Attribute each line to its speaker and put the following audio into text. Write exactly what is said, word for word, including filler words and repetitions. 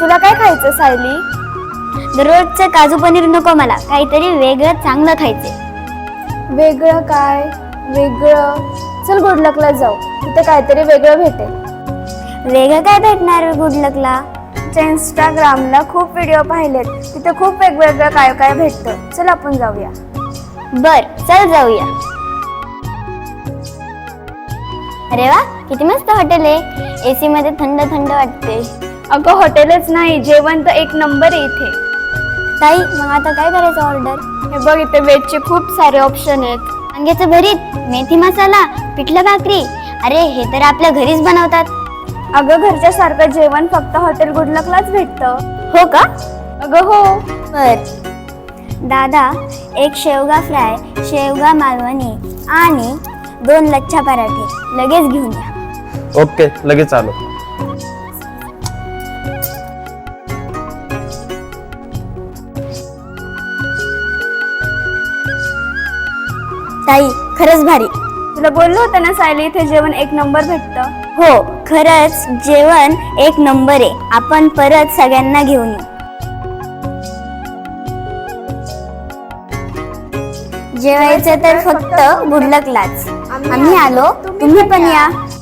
Speaker 1: तुला काय खायचं सायली?
Speaker 2: दररोजचं काजू पनीर नको मला, काहीतरी वेगळं चांगलं खायचंय.
Speaker 1: वेगळं काय? वेगळं चल गुडलकला जाऊ, तिथे काहीतरी वेगळं भेटेल.
Speaker 2: वेगळं काय भेटणार गुडलकला?
Speaker 1: इंस्टाग्रामला खूप व्हिडिओ पाहिलेत, तिथे खूप वेगवेगळं काय काय भेटतं. चल आपण जाऊया.
Speaker 2: बर चल जाऊया. अरे वा, किती मस्त हॉटेल आहे. एसी मध्ये थंड थंड वाटते.
Speaker 1: अगं हॉटेलच नाही, जेवण तर एक नंबर आहे इथे.
Speaker 2: ताई मग आता काय करायचं ऑर्डर?
Speaker 1: हे बघ इथे वेजचे खूप सारे ऑप्शन आहेत.
Speaker 2: वांग्याचं भरीत, मेथी मसाला, पिठलं भाकरी. अरे हे तर आपल्या घरीच बनवतात.
Speaker 1: अगं घरच्या सारखं जेवण फक्त हॉटेल गुडलकलाच भेटतं.
Speaker 2: हो का?
Speaker 1: अगं हो.
Speaker 2: बर दादा, एक शेवगा फ्राय, शेवगा मालवणी आणि दोन लच्छा पराठे लगेच घेऊन या.
Speaker 3: ओके, लगेच आलो.
Speaker 2: ताई खरंच भारी.
Speaker 1: तुला बोललो होतं ना सायली, इथे जेवण एक नंबर भेटतं.
Speaker 2: हो खरंच जेवण एक नंबर आहे. आपण परत सगळ्यांना घेऊन येऊ. जेवायचं तर फक्त गुडलकलाच. आम्ही आलो, तुम्ही पण या.